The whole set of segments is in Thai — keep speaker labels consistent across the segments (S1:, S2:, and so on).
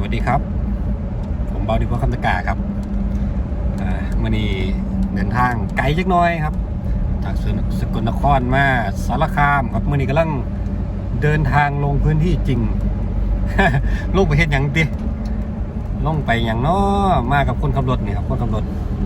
S1: วัสดีครับผมเบาดีพวกคำตะกาครับมื่อนี้เดินทางไกลจักน้อยครับจากสกลนครมาสารคามครับมื่อนี้กำลังเดินทางลงพื้นที่จริง ลงไปเฮ็ดหยังติลงไปอย่างน้อมากับคนขับรถนี่ครับคนขับรถ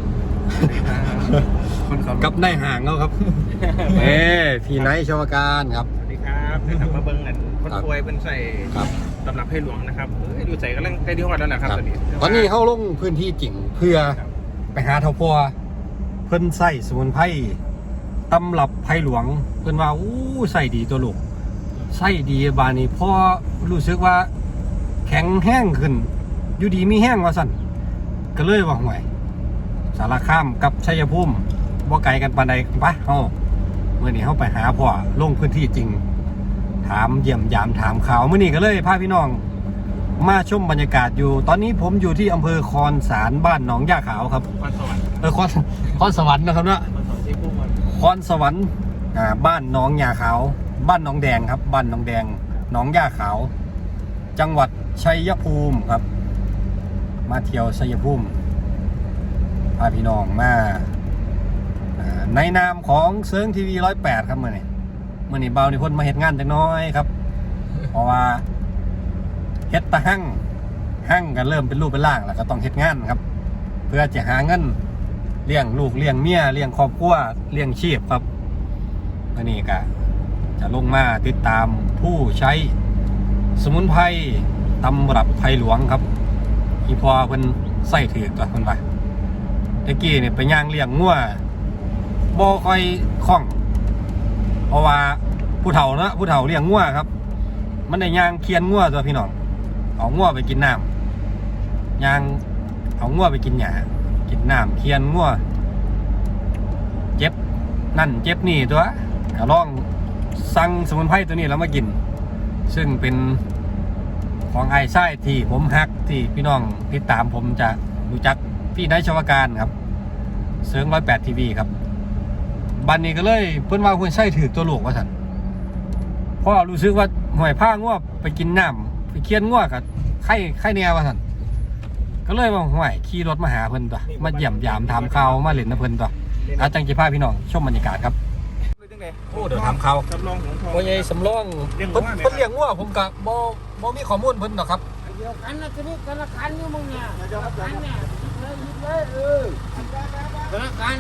S1: กับนายห่างเขาครับ พี่ไนท์ชวการครับ
S2: สวัสดีครับเพื่อนมาเบิ้งกันคนป่วยเป็นใส่ตำรับให้หลวงนะครับอยู่ใส่กำลังใกล้ที่ฮอดแล้วนะครับ
S1: ตอนนี้เขาลงพื้นที่จริงเพื่อไปหาเท่าพัวเพิ่นใส่สมุนไพรตำรับไผ่หลวงเพิ่นว่าอู้ใส่ดีตัวลูกใส่ดีบานี้พอรู้สึกว่าแข็งแห้งขึ้นอยู่ดีมีแห้งว่าสั่นก็เลยว่าห่วยสารคามกับชัยภูมิบ่ไกลกันปานใดปะเฮาเมื่อนี้เฮาไปหาพ่อลงพื้นที่จริงถามเยี่ยมยามถามข่าวมื้อนี้ก็เลยพาพี่น้องมาชมบรรยากาศอยู่ตอนนี้ผมอยู่ที่อำเภอคอนสารบ้านหนองย่าขาวครับ
S2: คอนสวรรค์
S1: คอนสวรรค์นะครับเนาะคอนสวรรค์บ้านหนองย่าขาวบ้านหนองแดงครับบ้านหนองแดงหนองย่าขาวจังหวัดชัยภูมิครับมาเที่ยวชัยภูมิพาพี่น้องมาในนามของเซิร์งทีวี108ครับเมื่อนี้เบาในคนมาเฮ็ดงานจังน้อยครับเพราะว่าเฮ็ดตะหั่งกันเริ่มเป็นรูปเป็นร่างแล้วก็ต้องเฮ็ดงานครับเพื่อจะหาเงินเลี้ยงลูกเลี้ยงเมียเลี้ยงครอบครัวเลี้ยงชีพครับอันนี้ก็จะลงมาติดตามผู้ใช้สมุนไพรตำรับไผ่หลวงครับอีพอเพิ่นใส่ถือตัวเพิ่นว่าตะกี้เนี่ยไปย่างเลี้ยงงัวบ่ค่อยคล่องเพราะว่าผู้เฒ่าเนาะผู้เฒ่าเลี้ยงงัวครับมันได้ย่างเคียนงัวตัวพี่น้องเอางัวไปกินน้ำย่างเอางัวไปกินหญ้ากินน้ำเคียนงัวเจ็บนั่นเจ็บนี่ตัวก็ลองสั่งสมุนไพรตัวนี้แล้วมากินซึ่งเป็นของไอ้ไส้ที่ผมฮักที่พี่น้องติดตามผมจะรู้จักพี่นายชวการครับเซิร์ง108ทีวีครับบันนี้ก็เลยเพิ่นว่าคนไส้ถือตัวลูกว่าสันเพราะรู้สึกว่าห่วยผ้าง่วไปกินน้ำไปเคียนง่วกับไข่แนวว่าสันก็เลยว่าห่วยขี่รถมาหาเพิ่นตัวมาเยี่ยมยามถามข่าวมาเล่นนะเพิ่นตัวอาจังจีพาพี่น้องชมบรรยากาศครับโอ้เดี๋ยวถามข่าว
S2: สำรองของทอง
S1: ว่าไงสำรองเพิ่นเลี้ยงง่วผมกับบ่มีข้อมูลเพิ่นหรอกครับ
S3: เดียวกันนะทีนี้ธนาคารนี่มึงเนี่ยธนาคารเนี่ยยิบเลยธนาคาร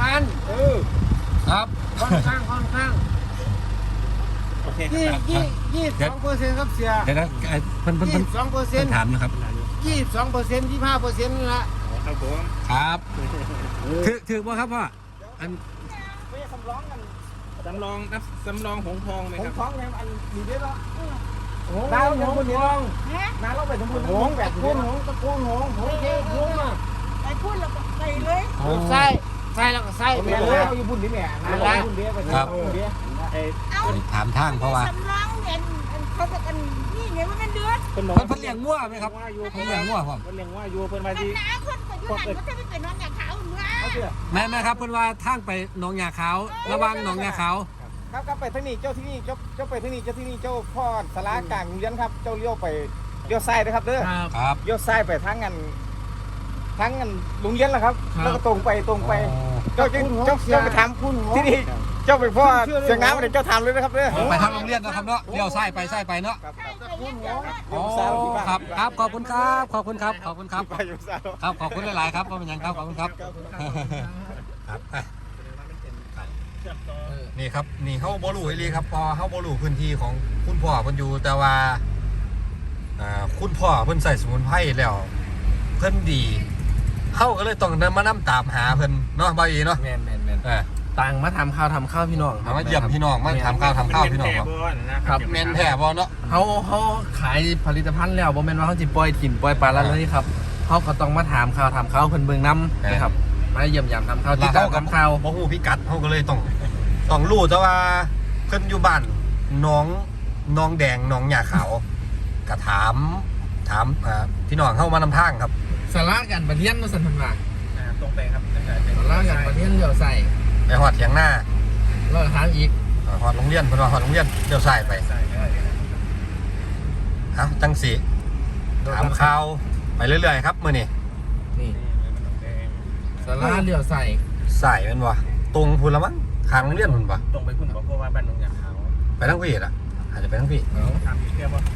S1: ครับ
S3: ค่อนข้าง
S2: โอเค
S3: 22%ครับเสีย
S1: เดี๋ยวนะเพิ่น
S3: 22%
S1: ถามนะครับ
S3: 22% 25%นี่ละ
S2: ครับผม
S1: ครับถือบ่ครับพ่ออัน
S3: ไม่สำรองกัน
S2: สำรองหงทองไหมครับ
S3: หงทองเนี่ยอันมีเยอะแล้วดาวหงทองน้าเราไปทั้งคนหงแบบตะกูลหงเจ๊หงอ่ะ
S4: ไปพูดแล้วก็ไปเลย
S3: ใส่แล้วก็ใส่ไปเลยเอาอยู่บุญนี่แหละ
S1: ครับถามทางเพราะว่า
S4: สำรองเห็นเขาจะกันนี่ไงมันเป็นเดือด
S1: เพิ่นเลี้ยงงัวไหมครับเพิ่นเลี้ยงงัวครับ
S2: เพิ่นเลี้ยงงัวอยู่เพิ่นมาที่
S4: น้าคนก็อยู่หันมันจะไปเป็นน้องอยากขาวเนื้อ
S1: แม่ครับเพิ่นว่าทางไปหนองยาขาวระวังหนองยาขาว
S3: ครับไปทางนี้เจ้าที่นี่เจ้าไปทางนี้เจ้าที่นี่เจ้าพ่อสารากลางเรียนครับเจ้าเลี้ยวไปเลี้ยวซ้ายนะครับเด้อ
S1: ครับ
S3: เลี้ยวซ้ายไปทางกันโรงเรียนแล้วครับแล้วก็ตรงไปเจ้าไปถามที่นี่เจ้าไปพ่อเสียงน้ำอะไรเจ้าถามเลยนะครับเด้อ
S1: ไปทางโรงเรียนนะครับเนาะเลี้ยวซ้ายไปเนาะครับขอบคุณครับครับขอบคุณหลายๆครับก็เป็นอย่างครับขอบคุณครับนี่ครับนี่เขาบอลูให้เลยครับพอเขาบอลูพื้นที่ของคุณพ่อเพิ่นอยู่แต่ว่าคุณพ่อเพิ่นใส่สมุนไพรแล้วเพิ่นดีเข้าก็เลยต้องเดินมานั่งตามหาเพิ่นเนาะบ่อยเนาะ
S2: แม่น
S5: ต่างมาทำข้าวพี่น้อง
S1: มาเยี่ยมพี่น้องมาทำข้าวพี่น้อง
S2: ครับ
S1: แม่นแท้บ่เนาะ
S5: เขาขายผลิตภัณฑ์แล้วบ่แม่นว่าเขาจิปล่อยถิ่นปล่อยปลาแล้วนี่ครับเขาก็ต้องมาถามข้าวเพิ่นเบิ่งน้ำนะครับมาเยี่ยมยามทำข้าวที่ตามข้าว
S1: บ่ฮู้พิกัดเขาก็เลยต้องรู้แต่ว่าเพิ่นอยู่บ้านน้องแดงน้องหญ้าขาวก็ถามพี่น้องเข้ามานำทางครับ
S5: สาระกันประเทียนสันพันว่า
S2: ตรงไปครับ
S5: สาระกันประเทียนเลี้ยวใส่
S1: ไปหอดเถียงหน้า
S5: แล้วทางอีก
S1: หอดโรงเรียนเพิ่นว่าหอดโรงเรียนเลี้ยวซ้ายไปจังสิถามข่าวไปเรื่อยๆครับมื้อนี้
S5: นี่สาราเลี้ยวใส่
S1: สายแม่นบ่ตรงพุ่นละมั้งข้างโรงเรียนพุ่นบ่
S2: ตรงไปคุณบอกเพราะว่าบ้านหนองยาขาว
S1: ไปทางพี่อ่ะอาจจะไปทางพี่
S2: ทำอีกแค่ว่า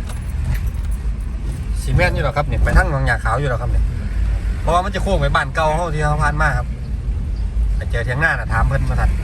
S1: ซีเมนต์อยู่หรอครับเนี่ยไปทางหนองยาขาวอยู่หรอครับเนี่ยเพราะว่ามันจะโค้งไปบ้านเก่าเฮาที่เฮาผ่านมาครับไปเจอเถียงหน้าน่ะถามเพิ่นมาทัน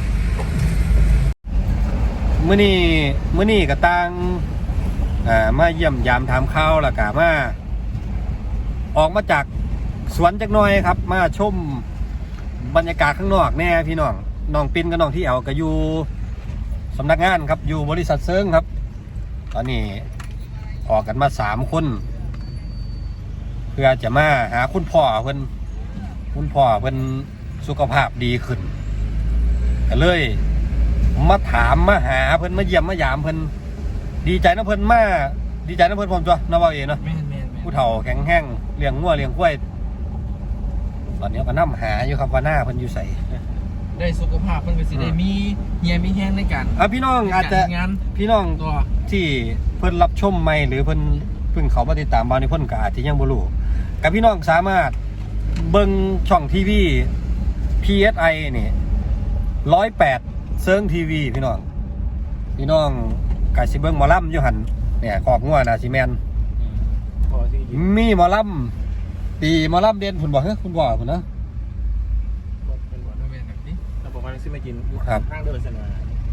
S1: มื้อนี้ก็ต่างมาเยี่ยมยามถามข่าวแล้วก็มาออกมาจากสวนจักหน่อยครับมาชมบรรยากาศข้างนอกแน่พี่น้องน้องปินกับน้องที่เอาก็อยู่สำนักงานครับอยู่บริษัทเซิงครับตอนนี้ออกกันมา3 คนเพื่อจะมาหาคุณพ่อเพิ่นสุขภาพดีขึ้นก็เลยมาถามมาหาเพิ่นมาเยี่ยมมายามเพิ่นดีใจนะเพิ่นผมจ้ะนะว่าเองเนาะ
S5: แม่น
S1: ผู้เฒ่าแข็งแห้งเลี้ยงงัวเลี้ยงกล้วยตอนนี้ก็นำหาอยู่ครับว่าหน้าเพิ่นอยู่ใส่
S5: ได้สุขภาพมันก็สิได้มีเฮียมีแห้งในการ
S1: พี่น้องอาจจะ
S5: งาน
S1: พี่น้อง
S5: ตัว
S1: ที่เพิ่นรับชมใหม่หรือเพิ่นเพิ่งเขามาติดตามบางในเพิ่นก็อาจจะยังบ่รู้กับพี่น้องสามารถเบิ่งช่องทีวี PSI นี่108เซิงทีวีพี่น้องก็สิเบิ่งหมอลำอยู่หั่นเนี่ยขอกงัวน่ะสิแม่น
S2: พอที่
S1: มีหมอลำตีหมอลำเด่นพุ่นบ่เฮ้ยคุณบ่พุ่นนะ
S2: เป็นวัน
S5: แม่นแบบนี้
S2: เราบอกว่าซื้อมากิน
S1: ครับ
S2: ข้างเดินเสนอ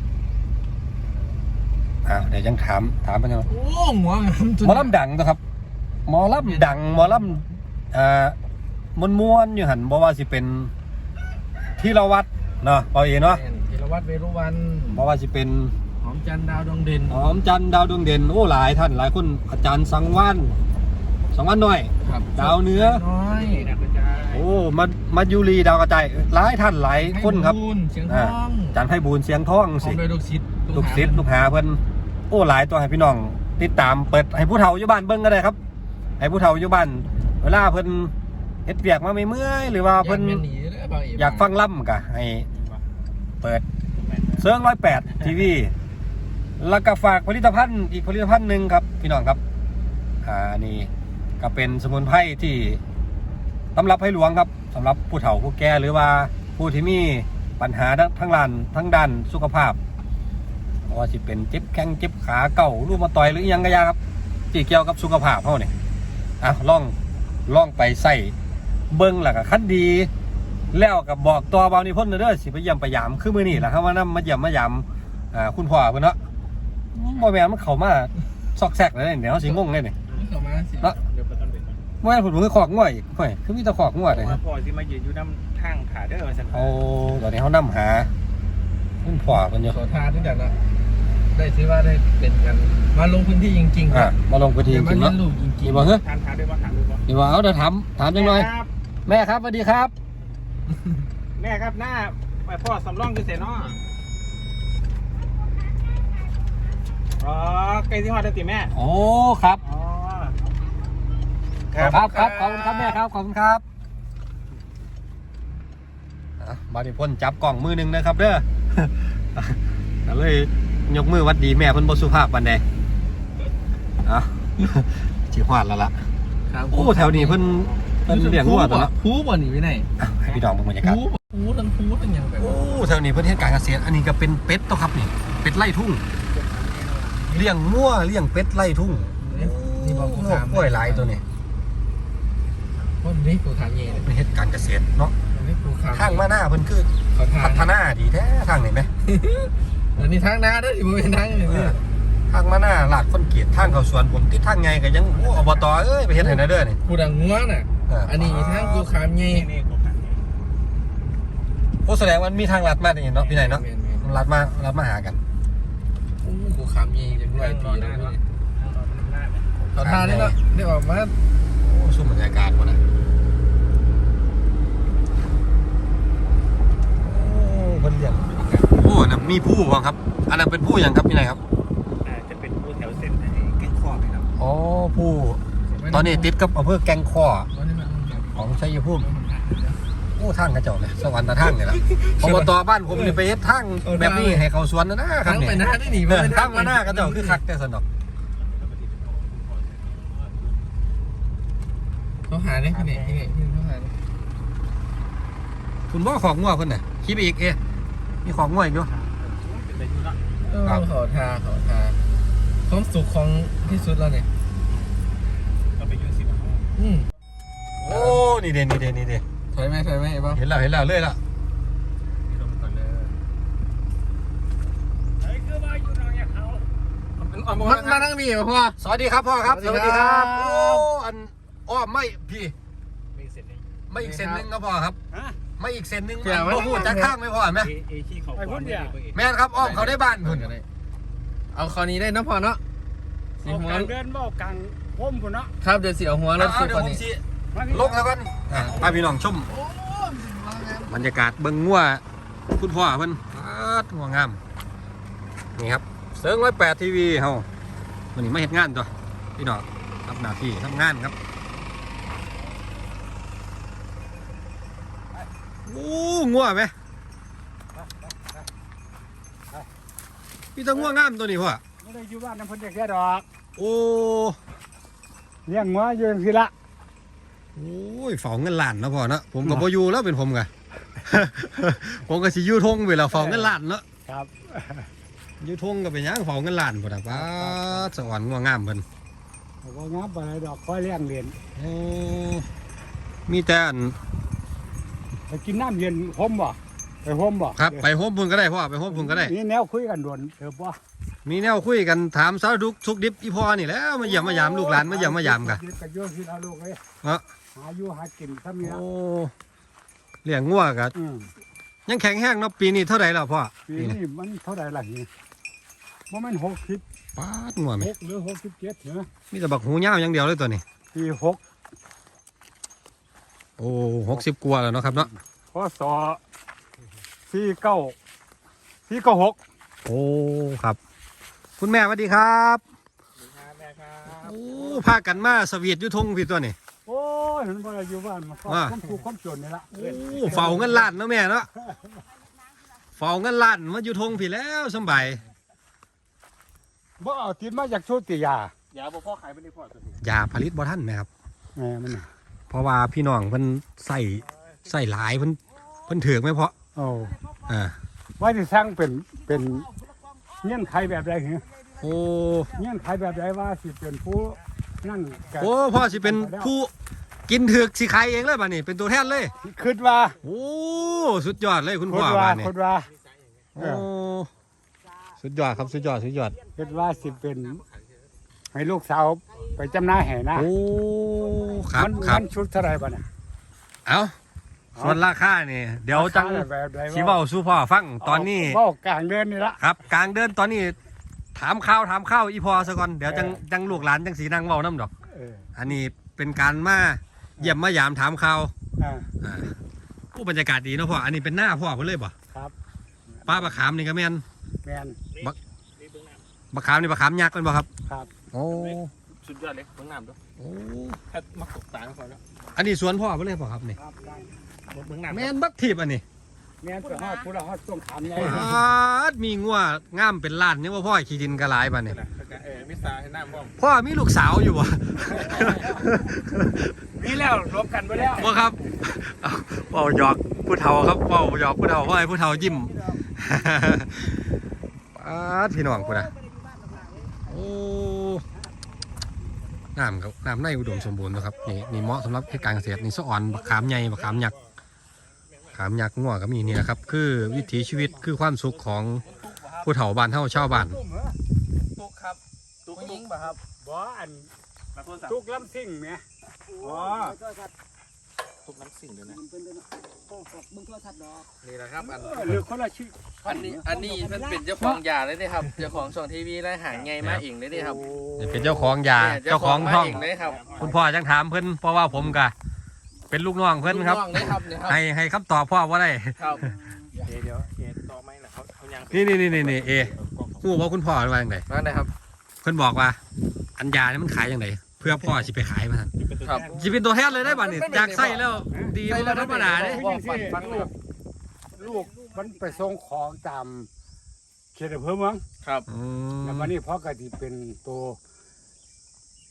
S1: เดี๋ยวยังถามมันยัง
S5: โอ้หัวงามจน
S1: หมอลำดังนะครับหมอลำดังหมอลำม้วนๆอยู่หันบอกว่าสิเป็นที่เราวัดเนาะเปาเอเนาะ
S5: แม่นธีรวัตรเวรุวัน
S1: บอกว่าสิเป็น
S5: หอมจันทร์ดาวดวงเด่น
S1: หอมจันทร์ดาวดวงเด่นโอ้หลายท่านหลายคนอาจารย์สังวานน้อย
S5: ครับ
S1: ดาวเหนือ
S5: น้อย
S2: นี่นะกระจาย
S1: โอ้มายูรีดาวกระจายหลายท่านหลายคนครับ
S5: ให้บุญเสียงทอง
S1: อาจารย์ไพบูลย์เสียงทอง
S5: พร้อ
S1: สิ
S5: มด้วยลูกศิษย์
S1: ลูกศิษย์ลูกหาเพิ่นโอ้หลายตัวให้พี่น้องติดตามเปิดให้ผู้เฒ่าอยู่บ้านเบิ่งก็ได้ครับให้ผู้เฒ่าอยู่บ้านเวลาเพิ่นเฮ็ดเวียกมาไม่เมื่อยหรือว่าเพิ่น
S5: แม่นหนีเด้อบ่าวเ
S1: อยากฟังล่ำก็ให้เปิดเซิร์ง108ทีวีแล้วก็ฝากผลิตภัณฑ์อีกผลิตภัณฑ์หนึ่งครับพี่น้องครับนี่ก็เป็นสมุนไพรที่สำหรับให้หลวงครับสำหรับผู้เฒ่าผู้แก่หรือว่าผู้ที่มีปัญหาทั้งด้านสุขภาพว่าสิเป็นเจ็บแข้งเจ็บขาเก่ารูมาตอยหรืออิหยังก็ยาครับที่เกี่ยวกับสุขภาพเฮาเนี่ยลองไปใส่เบิ่งแล้วก็คันดี แล้วก็บอกตัวเบานิพนธ์เด้อสิไปเยี่ยมไปยามคือมื้อนี้ล่ะครับว่านำมาเยี่ยมมายามคุณพ่อเพิ่นเนาะบ่แม่นมันเข้ามาซอกแซกเลยเนี่ยเฮาสิงงเลยนี่
S5: เข้ามาสิ
S1: เนาะ
S2: เดี๋ยวไปต้นเด็ด
S1: บ่แม่นผมคือขอกงัวอีกเฮ้ยคือมีแต่ขอกงัวเลยครับ
S2: พอที่มายืนอยู่น้ำทางขาเด้อสัน
S1: โอ้ตอนนี้เฮานำหาคุณพ่อเพิ่นอยู่
S5: ขอทานด้วยกันนะได้ถือว่าได้เป็นกันมาลงพื้นที่จริงๆครับ
S1: มาลงพื้นที่จ
S5: มา
S1: ริงๆ
S5: เรีย
S1: เนาะ
S5: นรู้จริง
S1: นี่บ่เฮ้ย
S2: ทานขาด้วยว่าขาด้วยว่า
S1: นี่ว่าเอาเดี๋ยวถามจังหน่อยแม่ครับสวัสดีครับ
S2: แม่ครับหน้าไปพ่อสำรองอยู่เสนาะอ๋อไก่ที่ฮอดได้ติแม่
S1: โอ้ครับ
S2: อ๋อ
S1: ครับขอบคุณครับแม่ครับขอบคุณครับบาดิพ่นจับกล่องมือหนึ่งนะครับเด้อ ก็เลยยกมือวัดดีแม่เพิ่นบ่สุภาพปานใดสิฮอดแล้วล่ะ
S5: ๆครับ
S1: โอ้แถวนี้เพิ่นเลี้ยงวัวตัวเนาะ
S5: ผูบ่หนีไปไหน
S1: ให้พี่น้องเบิ่งบรรยากาศ
S5: ผูทั้งอย่างแบบ
S1: โอ้แถวนี้เพิ่นเฮ็ดการเกษตรอันนี้ก็เป็นเป็ดตัวครับนี่เป็ดไร่ทุ่งเลี้ยงวัวเลี้ยงเป็ดไร่ทุ่ง
S5: นี่บอกกู
S1: โอ้
S5: ถาม
S1: กล้วยหลายตัวนี้
S5: คนนี้กูถามเย่เลย
S1: เพิ่นเฮ็ดการเกษตรเนาะ
S5: นี่กูถาม
S1: ทางมาหน้าเพิ่นคือ
S5: ขอทา
S1: พั
S5: น
S1: ฒนาดีแท้ทางนี่ไหม
S5: อันนี้ทางหน้าด้วยที่มันเป็นทางอย่างนี้
S1: ทางมาหน้าลาดคนเกียรติทางเขาสวนผมติดทางไงก็ยังโอ้อบตเอ้ยไปเฮ็ดให้นะเด้อนี่
S5: กูดังงัวน่ะอันนี้ทางกูขามเย่
S2: นี่ผมถาม
S1: โอ้แสดงว่ามีทางลัดมานี่เนาะพี่ไหนเนาะลัดมาหากัน
S5: โอ้กูขามเย่จังไรปีแล้วนี่
S2: หน้า
S5: ขอทานนี่เนาะได้ออกมา
S1: โอ้สู้บรรยากาศบ่นะโอ้เพิ่นเลี้ยงโอ้น่ะมีผู้บ่ครับอันนั้นเป็นผู้หยังครับพี่ไหนครับ
S2: จะเป็นผู้แถวเส้นแก้งข้อครับ
S1: อ๋อผู้ตอนนี้ติดกับอำเภอแก่งข้อของชัยภูมิโอ้ทางกระจอกเลยสวรรค์ตะทางนี่ล่ะอบตบ้านผมนี่ไปเฮ็ดทางแบบนี้ให้เขาสวนนะครั
S5: ทา
S1: บ
S5: ง
S1: นี่
S5: ไปหน้าได้หนี
S1: ทางมาหน้ากระจอกคือคักแต่สนุก
S5: เขาหาได้ที่ไหนเขาหา
S1: คุณบ่ของงัวเพิ่นน่ะคิดไปอีกมีของงัวอีกอยู่
S5: ขอทาความสุขของที่สุดแล้วเนี่ย
S2: ก็ไปยุ่งสิบ
S1: โอ้นี่เด่น
S5: ถอยไหมไอ้บ้า
S1: เห็นแล้วเลยล่ะ
S2: นี่ลงก่อนเลยไอ้คือว่าอยู่นอกจากเขา
S5: มันมานั่งมีพ่อ
S1: สวัสดีครับพ่อครับ
S5: สวัสดีครับ
S1: โอ้อันอ้อมไม่พี่
S2: ไม่เสร็จเลย
S1: ไม่อีกเส้นหนึงครับพ่อครับ
S2: ฮะ
S1: ไม่อีกเส้นหนึง
S5: เดี๋ยว
S1: บ่พูดจากข้างไม่พอไหม
S2: เอขี้เขาก่อนเนี่ย
S1: แม่นครับอ้อมเขาได้บ้านคุณ
S5: เอาคราวนี้ได้น้ำพอเนาะสี
S3: เอา
S5: หัว
S3: กลางเดินบ่กลางพ้มพุ่นเนาะ
S5: ครับเดี๋ยวสีเอาหัวรถสุด
S1: เดี๋ย
S5: ค
S1: วน ผม
S5: นี้
S1: สิลกแล้วกันพาพี่น้องชมบรรยากาศเบิ่งงัวคุณพ่อเพิ่นงัวงามนี่ครับเซิง108 ทีวีเฮาวันนี้มาเฮ็ดงานตัวพี่น้องรับหน้าที่ทำงานครับโอ้งัวไหมพี่ตะงัวงามตัวนี้พ่อ
S3: ไม่ได้อยู่บ้านน้ำพ้นแค่ดอก
S1: โอ้
S3: เลี้ยงงัวอยู่จังซี่ละ
S1: โอ้ยเฝ้าเงินล้านเนาะพ่อเนาะผมกับพ่อยู่แล้วเป็นผมกะ ผมก็สิอยู่ทงไปแล้วเฝ้าเงินล้านเนาะ
S3: ครับ
S1: อยู่ทงก็เป็นหยังเฝ้าเงินล้านพุ่นน่ะป้าดสวรรค์งัวงามเพิ่น
S3: บ่งับอะไรดอกค่อยเลี้ยงเรียน
S1: โอ้มีแต่อัน
S3: ไปกินน้ำเย็นห่มบ่ไปห่มบ่
S1: ครับไปโฮมพุ่นก็ได้พ่อไปโฮมพุ่นก็ได้
S3: นี่แนวคุยกันด่วนบ่
S1: มีแนวคุยกันถามสารทุกดิบอีพ่อนี่แหล้วมาเยี่ยมมายามลูกหลานมาเยี่ยมมายามกะ
S3: กันโยสิเอาลูกเอ้ย
S1: เนาะ
S3: หาอยู่หากินซะมีละ
S1: โอ้เลี้ยงงัวกะยังแข็งแห้งเนาะปีนี้เท่าไหร่แล้วพ่อ
S3: ปีนี้มันเท่าไหร่ล่ะนี่บ่แม่น60
S1: ป้าดงัวไหม
S3: 6หรือ67เหรอ
S1: มีแต่บักหูยาวอย่างเดียวเลยตัวนี้
S3: ปี6
S1: โอ้60กว่าแล้วเนาะครับเนาะ
S3: พศ496
S1: โอ้ครับ คุณแม่สวัสดีครับโอ้พากันมาสวีทอยู่ทงพี่ตัวนี่
S3: โอ้ยมันบ่ได้อยู่บ้านมันก็ความทุกข์ความจนนี่ละ
S1: โอ้เฝ้าเงินล้านเนาะแม่เนาะเฝ้าเงินล้านมาอยู่ทงพี่แล้วสำบาย
S3: บ่เอาติดมาจากโชติยา
S2: อย่าบอกพ่อขายไปในพ่อตัวนี้
S1: ยาผลิตบ่ทันไหมครับ
S3: แม่มัน
S1: เพราะว่าพี่น้องเพิ่นใส่หลายเพิ่นถือกไหมเพาะ
S3: โอ้
S1: ว่า
S3: ที่สร้างเป็นเงื่อนไขแบบใดเหรอ
S1: โอ้
S3: เงื่อนไขแบบใดว่าสิเป็นผู้นั่นกัน
S1: โอ้พ่อสิเป็นผู้กินถือกสิขายเองเลยป่ะนี่เป็นตัวแทนเลย
S3: คิดว่า
S1: โอ้สุดยอดเลยคุณพ่อ
S3: คิด
S1: บ้า
S3: ว่าน
S1: นี่
S3: คิดว่า
S1: โอ้สุดยอดครับสุดยอด
S3: คิดว่าสิเป็นให้ลูกสาวไปจำหน้าแห่นะ
S1: โอ้ครับ
S3: มัน
S1: ครับ
S3: มันชุดเท่าไหรบ้าน่ะ
S1: เอาส่วนราคานี่เดี๋ยวจัง
S3: ราคาแบบใด
S1: สิเว้าสู่พ่อฟังตอนนี้
S3: เว้ากลางเดือนนี่ละ
S1: ครับกลางเดินตอนนี้ถามข้าวอีพอซะก่อนเดี๋ยวจังลูกหลานจังสีนั่งเว้าน้ำดอก
S3: เออ
S1: อันนี้เป็นการมาเยี่ยมมายามถามข่าว
S3: อ่า
S1: ผู้บรรยากาศดีเนาะพ่ออันนี้เป็นหน้าพ่อเพิ่นเลยป่ะ
S3: ครับ
S1: ป้าบะขามนี่ก็แม่น
S3: แมน
S2: นี่เบื้องหน้า
S1: บะขามนี่บะขามยักษ์เป็นป่ะครับ
S3: ครับ
S1: โอ้
S2: สุดยอดเลยเบื้องหน้าด้วย
S1: โอ้
S2: ถ้ามาตกตาก่อนแล้ว
S1: อันนี้สวนพ่อเพิ่นเลยป่ะครับนี่
S3: ครับ
S2: เบื้องหน้า
S1: แม่นบักทีบอันนี้
S3: แมนจะฮอดผู้ละฮอดต้องถามไง
S1: มีงัวงามเป็นล้านยังว่าพ่อขี้ดินกระหลายป่ะนี่
S2: มิสซาให้หน้าบ้อง
S1: พ่อมีลูกสาวอยู่บ่
S3: มีแล้วรวมกันไปแล้ว
S1: บ่ครับเอาเว้าหยอกผู้เฒ่าครับเว้าหยอกผู้เฒ่าเพราะให้ผู้เฒ่ายิ้ม พี่น้องพุ่นน่ะโอ้น้ำครับน้ำในอุดมสมบูรณ์นะครับนี่เหมาะสำหรับการเกษตรนี่สะอ่อนบักขามใหญ่บักขามยักษ์ขามยักษ์งัวก็มีนี่แหละครับคือวิถีชีวิตคือความสุขของผู้เฒ่าบ้านเฮาชาวบ้าน
S5: ตุกครับตุกยิงป่ะครับ
S3: บ่อัน
S2: มาโทรศัพท์
S3: ทุกลำซิ่งแหมอ๋อ
S2: ทุกน้ำสิ่งเลยนะ
S5: นี่แหละครับอัน
S3: หรือคนละชื่อ
S5: อันนี้มันเป็นเจ้าของยาเลยนี่ครับเจ้าของช่องทีวีและหางไงมาเองเลยนี่ครับ
S1: นี่เป็นเจ้าของยา
S5: เนี่ย
S1: เจ้าของช่อง
S5: มาเองเลยครับ
S1: คุณพ่อจังถามเพิ่นเพราะว่าผมกะเป็นลูกน้องเพิ่นครับ
S5: ลูกน้องเลยครับเนี่ยครับ
S1: ให้คำตอบพ่อว่าได้
S5: ครับ
S2: เดี๋ยวต่อไหมนะเขายัง
S1: นี่ฮู้ว่าคุณพ่อว่าจังได
S5: นั่นเลยครับ
S1: เพิ่นบอกว่า อันยานี่มันขายจังไดเพื่อพ่อสิไปขายมาซั่น
S5: ครับ
S1: สิเป็นตัวแทนเลยได้บ่นี่จากไส้แล้วดีบ่ธรรมดาเด้
S5: บอกฝันฟังเลย
S3: ลูกมันไปส่งของตามเขตอำเภอเมือง
S5: ครับ
S1: อื
S3: แล้ว
S1: ม
S3: วันนี้พ่อก็ที่เป็นตัว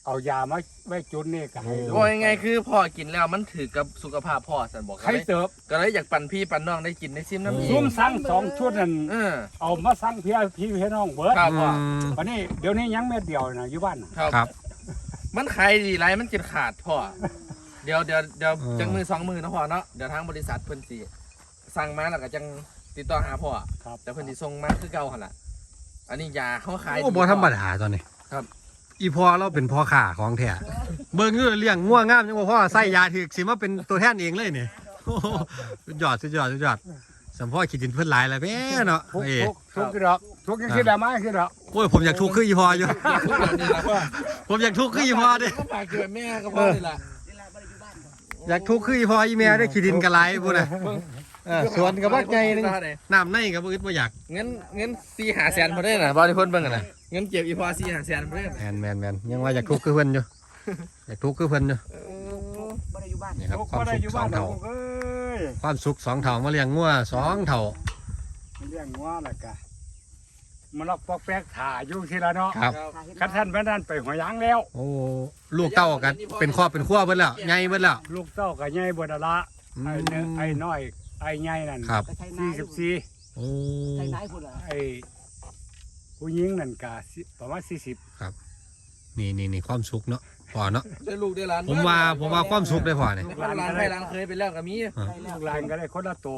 S6: เอายามาไว้จุดนี่ก็ให้
S5: ว่ายังไงคือพ่อกินแล้วมันถือกับสุขภาพพ่อสันบอก
S6: ใครเติบ
S5: ก็เลยอยากปั่นพี่ปั่นน้องได้กินได้ซิมน้ำอีก
S6: ซุ่มสั่ง2 ชุดนั่น เอามาสั่งพี่น้องเบิด
S5: ครับพ่อ
S6: วันนี้เดี๋ยวนี้ยังเม็ดเดียวนะอยู่บ้านน่ะ
S1: ครับ
S5: มันขายดีไรมันกินขาดพ่อเดี๋ยวจังมือ2 มือนะพ่อเนาะเดี๋ยวทางบริษัทเพิ่นสิสั่งมาแล้วก็จังติดต่อหาพ่อ
S6: ครับ
S5: แต่เพิ่นสิส่งมาคือเก่าหั่นล่ะอันนี้ยาเขาขาย
S1: โอ้บ่ธรรมดาตอนนี้
S5: ครับ
S1: อีพอเราเป็นพ่อข่าของแท้เบิ่งอยู่เลี้ยงง่วงงามจังว่าพ่อใส่ยาถึกสิมาเป็นตัวแทนเองเลยนี่โอ้โหสุดยอดสัมพ่อคิดดินเพิ่นหลายแล้วแม่เนาะ
S6: ทุก
S1: เอ้
S6: กี่ดอกทุกยังคิดได้ไหมคิดดอก
S1: โอ้ยผมอยากทุกข์คืออีพออยู่
S5: ทุกอย่างนี้ล่ะพ่อ
S1: ผมอยากทุกข์คืออีพอเด้
S5: ก็ฝากเกิดแม่ก็พ่อนี่ล่ะ
S1: อยากทุกข์คืออีพออีแม่ได้ขี้ดินกระไรพุ่นน่ะสวนกับบักใหญ่นึงน้ำในกับบ่อึดบ่อยาก
S5: เงิน4-5แสนบ่ได้น่ะบ่ได้เพิ่นเบิ่งกันน่ะเงินเก็บอีพอ4-5แสนบ่ได้น่ะ
S1: แม่นยังว่าอยากทุกข์คือเพิ่นอยู่อยากทุกข์คือเพิ่นอยู่
S4: บ่ได้อยู่บ้าน
S1: นี่ครับ
S6: ทุก
S1: ความ
S6: ก็ได้
S1: สุ
S6: อ
S1: ข
S6: ยู่
S1: ส
S6: บ้า
S1: อน ง
S6: ดอ
S1: เท่าก
S6: เอ้ย
S1: ความสุข2 เท่ามาเลี้ยงงัว2 เท่า
S6: เลี้ยงงัวแล้วก็มันล็อกปอกแป๊กถ่าอยู่ทีละเนาะ
S1: ครับ
S6: คันท่านแม่นั่นไปหัวยางแล้ว
S1: โอ้ลูกเต้ากันเป็นครอบเป็นครัวเบิดแล้วใหญ่เบิดแล้ว
S6: ลูกเต้าก็ใหญ่บ่ดละ
S1: อืม
S6: ไอ้เนื้อไอ้น้อยไอ้ใหญ่นั่น
S1: ครับ
S4: ไปไทยนาย
S6: 44
S1: โอ้
S4: ไทยนายพุ่นล่ะ
S6: ไอ้ผู้หญิงนั่นก็ประมาณ40
S1: นี่ความสุขเนาะพอเนาะ
S5: ได้ลูกได้หลาน
S1: ผมว่าความสุขได้พอเนี่ย
S5: ลูกหลานให้หลานเคยไปแล้วก็มี
S6: ลูกหลานก็ได้คนละตัว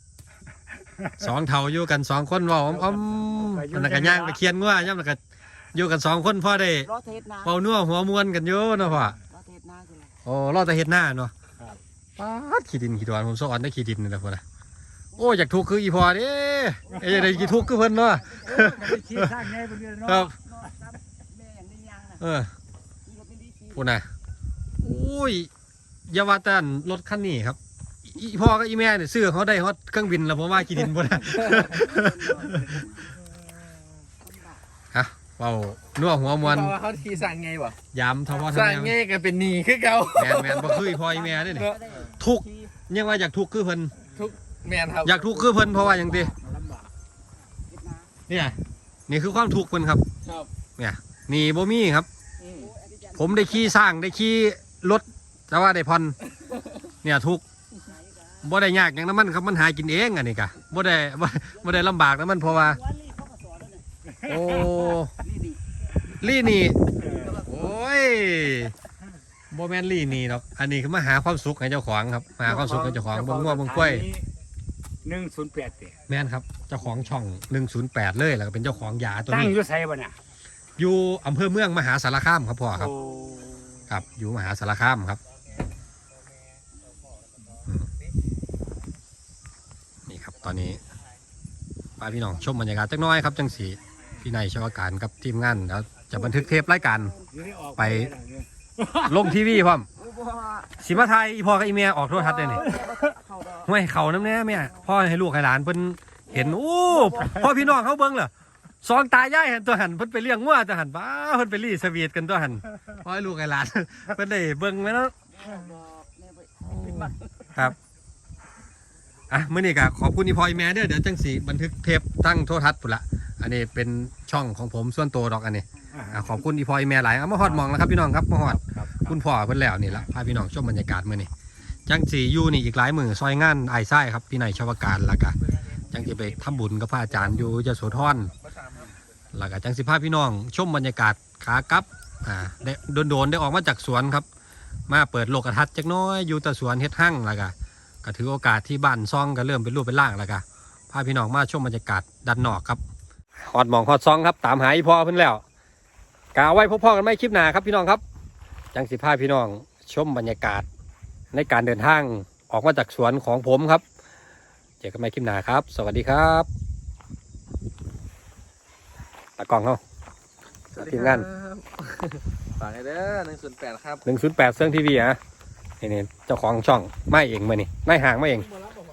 S1: 2 เท่าอยู่กัน2 คนเว่าอ้อมๆมันก็ย่างไปเคียนงัวย่ำแล้วก็อยู่กัน2 คนพ่อได้
S4: รอเทศนา
S1: เป่านัวหัวมวนกันอยู่เนาะพ่อ
S4: รอเทศนาคืออะไร
S1: โอ้รอแต่เฮ็ดหน้าเนาะป๊าดขี้ดินขี้ดอนผมสอนได้ขี้ดินนี่แหละพ่อนะโอ้อยากทุกข์คืออีพอเด้ไอ้อยากได้กี่ทุกข์คือเพิ่นเนาะ
S6: ชี้ทางไงบ่เดือนเนาะ
S1: ครับ
S4: แม่อย่างนี้ยังน่ะ
S1: เออ
S4: มีรถเป็นดีขี่
S1: พูดนะโอ้ยอย่าว่าแต่รถคันนี้ครับอีพ่อกับอีแม่เนี่ยซื้อเขาได้ฮอตเครื่องบินแล้วผมว่ากี่ดินบ่นะ ฮะเป่านัวหัวมวน
S5: เพราะว่าเขาทีสั่งไงวะ
S1: ยามทว่า
S5: สั่ง
S1: ทำ
S5: ไง
S1: แม่
S5: ก็เป็นหนี้คือเก่า
S1: แมนบ่คืออีพ่ออีแม่เด้นี่ทุกข์ยังว่าอยากทุกข์คือเพิ่น
S5: ทุกแมนครับ
S1: อยากทุกข์คือเพิ่นเพราะว่าหยังติ
S6: ลำบาก
S1: เนี่ยนี่คือความทุกข์เพิ่นครับ
S5: ครับ
S1: เนี่ยนี่บ่มีครับ ผมได้ขี่สร้างได้ขี่รถแต่ว่าได้ผ่อนเนี่ยทุกข์บ่ได้ยากอย่างนั้นมันครับมันหากินเองอันนี้กะบ่ได้ลำบากนะมันเพราะว่า โอ้ลี่นี่โอ้ยบ่แม่นลี่นี่หรอกอันนี้คือมาหาความสุขให้เจ้าของครับมาหาความสุขให้เจ้าของเบิ่งงัวเบิ่งกล้วย
S6: 108เด้
S1: แม่นครับเจ้าของช่อง108เลยแล้วก็เป็นเจ้าของยาตัว
S6: ตั้ง
S1: นี้
S6: อยู่ไสบ่เนี่ย
S1: อยู่อำเภอเมืองมหาสารคามครับพ่อครับ
S6: โอ้
S1: ครับอยู่มหาสารคามครับอืมนี่ครับตอนนี้พาพี่น้องชมบรรยากาศจักหน้อยครับจังสีพี่นายชาวการกับทีมงานแล้วจะบันทึกเทปรายการ
S6: อยู่นี่ออก
S1: ไป ลงทีวีพร้อม
S4: โอ้บ่
S1: สิมาไทยอีพ่อกับอีเมียออกโทรทัศน์เลยนี่
S4: เข้าดอก
S1: ห้วยเขาน้ำแน่แม่พ่อให้ลูกให้หลานเพิ่นเห็นโอ้พ่อพี่น้องเขาเบิ่งเหรอสองตายายหันตัวหันเพิ่นไปเลี้ยงงัวตัวหันบ้าเพิ่นไปรีสวีทกันตัวหันพ่อให้ลูกให้หลาน เพิ่นได้เบิ่งไว้แล้ว
S4: เข้าดอกแม่ไป
S1: ครับอ่ะมื้อนี้ก็ขอบคุณอีพ่ออีแม่เด้อเดี๋ยวจังสิบันทึกเทปตั้งโทรทัศน์พุ่นละอันนี้เป็นช่องของผมส่วนตัวดอกอันนี้ขอบคุณอีพ่ออีแม่หลายเอามาฮอดหมองแล้วครับพี่น้องครับมาฮอด
S6: ครับ
S1: คุณพ่อเพิ่นแล้วนี่ละพาพี่น้องชมบรรยากาศมื้อนี้จังสีอยู่นี่อีกหลายมือซอยงานไอ้ายไส้ครับพี่นายชาวการแล้วก็จังสิไปทำบุญกับพระอาจารย์อยู่ยโสธรแล้วก็จังสิพาพี่น้องชมบรรยากาศขากลับได้โดนๆได้ออกมาจากสวนครับ มาเปิดโลกทัศน์จักหน้อยอยู่แต่สวนเฮ็ดหั่งแล้วก็ถือโอกาสที่บ้านซองก็เริ่มเป็นรูปเป็นร่างแล้วก็พาพี่น้องมาชมบรรยากาศด้านนอกครับฮอดหมองฮอดซองครับตามหาอีพ่อเพิ่นแล้วกาไว้พบพ่อกันไม่คลิปหน้าครับพี่น้องครับจังสิพาพี่น้องชมบรรยากาศในการเดินทางออกมาจากสวนของผมครับเจอกันใหม่คลิปหน้าครับ สวัสดีครับตากล้องเขาทีมงาน
S5: ฝากให้เด้อ108ครับ
S1: 108เซิงทีวีอ่ะนี่เจ้าของช่องไม่เองมานี่ไม่ห่างไม่เอง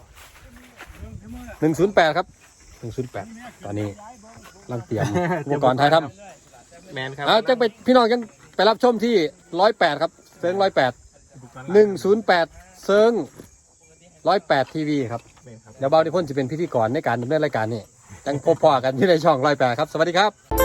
S1: 108ครับ108ตอนนี้กำลังเตรียมอุปกรณ์ถ่ายทำ
S2: แมนครับ
S1: เอาจังไปพี่น้องยังไปรับชมที่108ครับเซิง108เซิง108ทีวีครับ
S2: แมนครับ
S1: เดี๋ยวเบาที่พ่นจะเป็นพิธีกรในการดำเนินรายการนี่จังพบพ่อกันที่ในช่อง108ครับสวัสดีครับ